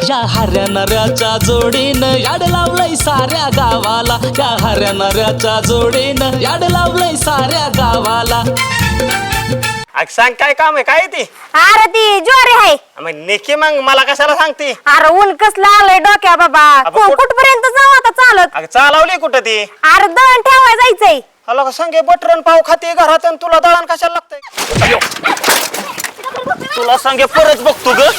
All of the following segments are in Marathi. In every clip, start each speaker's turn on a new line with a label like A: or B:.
A: या हऱ्या नऱ्याच्या जोडीनं याड लावलंय साऱ्या गावाला, या हऱ्या नऱ्याच्या जोडीनं याड लावलंय साऱ्या गावाला.
B: सांग काय काम आहे काय ती?
C: अरे ती ज्वारी आहे.
B: मग नेकी मग मला कशाला सांगते?
C: अरे ऊन कसलं आलंय डोक्या बाबा. कुठपर्यंत जाऊ आता चालत?
B: अगं चालवली कुठं ती?
C: अरे दळण ठेवाय जायचंय.
B: हॅलो का सांगे बटरन पाव खाते घरात आणि तुला दळण कशाला लागतंय? तुला सांगे परत बघतो ग.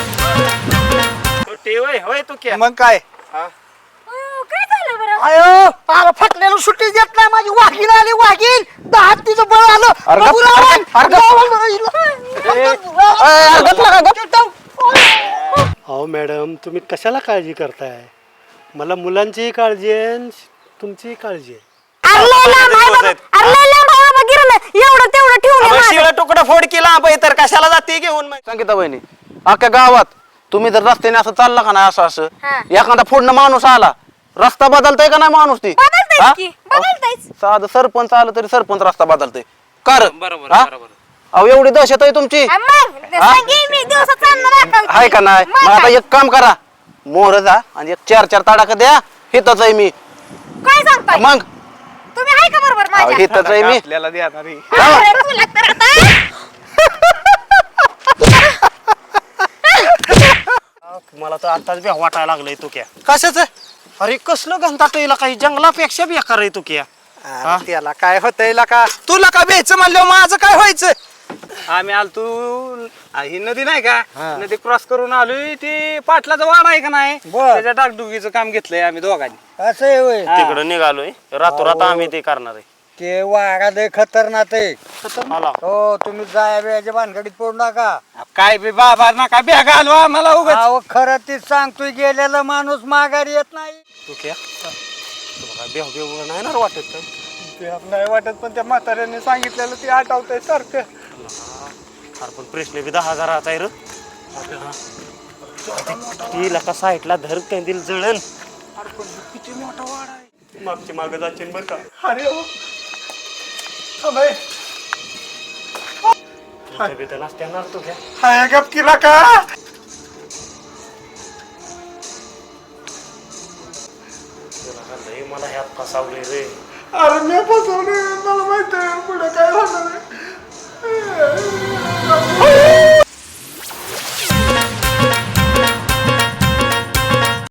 B: होय तू क्या
D: मग काय
C: काय झालं बरं?
D: अयो अरे फटलेलं सुट्टी देत नाही माझी वाघीण आली वाघीण 10 तिचं बळ आलं
E: अहो मॅडम तुम्ही कशाला काळजी करताय? मला मुलांचीही काळजी आहे तुमचीही काळजी आहे.
C: एवढं तेवढं ठेवून
B: शिळ तुकडा फोड केला तर कशाला जाते घेऊन?
F: संगीता बहिणी अख्ख्या गावात तुम्ही जर रस्त्याने असं चालला का नाही असं असं एखादा फोडणं माणूस आला रस्ता बदलताय का नाही माणूस ती? साधं सरपंच आलं तरी सरपंच रस्ता बदलतय कर. अहो एवढी दहशत आहे तुमची आहे का नाही? मग आता एक काम करा मोर जा आणि एक 4-4 तडाखा द्या. हितच आहे मी.
C: काय सांगताय
F: मग
C: तुम्ही? आहे का बरोबर माझ्या?
F: हितच आहे मी.
D: आपल्याला द्या ना रे.
C: अरे तुला तर आता
B: मला तर आताच बी वाटायला लागलंय तू क्या.
F: कशाच
B: अरे कसलं घंटाट येईल काही जंगलापेक्षा बेकार आहे तू क्या.
D: त्याला काय होतंय का?
F: तुला का भ्यायचं म्हणलं माझं काय व्हायचं?
D: आम्ही आलो तू ही नदी नाही का नदी क्रॉस करून आलोय. ती पाटलाचा वाडा आहे का नाही त्याच्या डागडुगीचं काम घेतलंय आम्ही दोघांनी.
G: असं आहे होय.
B: तिकडं निघालोय रातोरात आम्ही ते करणार आहे.
G: ते वाघा लय खतरनाक आहे.
B: आला.
G: हो तुम्ही जाया बियाच्या भानगडीत पडू नका.
D: काय बी बाबा ना काय बॅग आलो आम्हाला उगाच.
G: अहो खरं तीच सांगतोय गेलेला माणूस माघारी येत नाही.
B: तू क्या तुला काय बेह बेह नाही ना वाटत?
D: ते नाही वाटत पण त्या म्हाताऱ्याने सांगितलेलं ते आठवतंय सारखं.
B: अरे पण प्रश्न बी 10,000चा आहे र. ती लका साईडला धर कंदील जळण.
D: किती मोठा वाडा आहे.
B: मागची माग जाचीन बर का.
D: अरे हो थांबे
B: नसत्याणार तू घ्या.
D: हाय गप किला का?
B: मला ह्यात फसावले रे.
D: अरे मी फसवलं मला माहिती आहे पुढे काय होणार आहे.